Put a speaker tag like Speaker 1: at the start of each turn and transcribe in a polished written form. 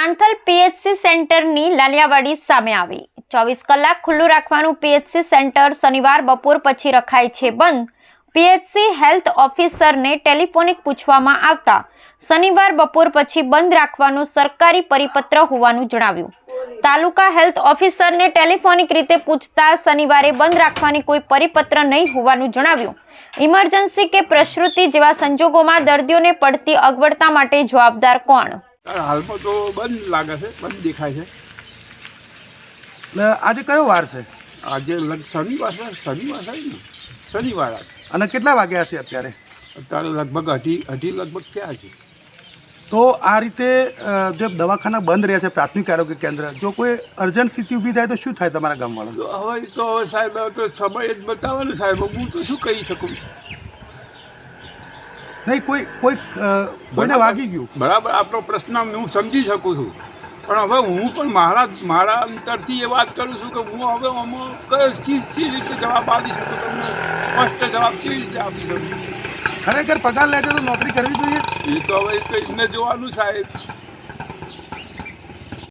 Speaker 1: પાંથલ PHC સેન્ટરની લાલિયાવાડી સામે આવી 24 કલાક ખુલ્લું રાખવાનું પીએચસી સેન્ટર શનિવાર બપોર પછી રખાય છે બંધ। પીએચસી હેલ્થ ઓફિસરને ટેલિફોનિક પૂછવામાં આવતા શનિવાર બપોર પછી બંધ રાખવાનું સરકારી પરિપત્ર હોવાનું જણાવ્યું। તાલુકા હેલ્થ ઓફિસરને ટેલિફોનિક રીતે પૂછતા શનિવારે બંધ રાખવાની કોઈ પરિપત્ર નહીં હોવાનું જણાવ્યું। ઇમરજન્સી કે પ્રસૂતિ જેવા સંજોગોમાં દર્દીઓને પડતી અગવડતા માટે જવાબદાર કોણ?
Speaker 2: હાલમાં તો બંધ લાગે છે, બંધ દેખાય છે।
Speaker 3: આજે કયો વાર છે?
Speaker 2: આજે શનિવાર છે, શનિવાર
Speaker 3: અને કેટલા વાગ્યા છે અત્યારે?
Speaker 2: અત્યારે લગભગ અઢી લગભગ થયા છે।
Speaker 3: તો આ રીતે જે દવાખાના બંધ રહ્યા છે પ્રાથમિક આરોગ્ય કેન્દ્ર, જો કોઈ અર્જન્ટ સ્થિતિ ઊભી થાય તો શું થાય તમારા ગામવાળા?
Speaker 2: તો હવે સાહેબ તો સમય જ બતાવે ને સાહેબ, હું તો શું કહી શકું?
Speaker 3: નહીં, કોઈને વાગી ગયું
Speaker 2: બરાબર, આપનો પ્રશ્ન હું સમજી શકું છું, પણ હવે હું પણ મારા અંતરથી એ વાત કરું છું કે હું હવે આમાં કઈ રીતે જવાબ આપી શકું, તમને સ્પષ્ટ જવાબ કેવી રીતે આપી શકું?
Speaker 3: ખરેખર પગાર લે છે તો નોકરી કરવી જોઈએ?
Speaker 2: એ તો હવે એમને જોવાનું સાહેબ।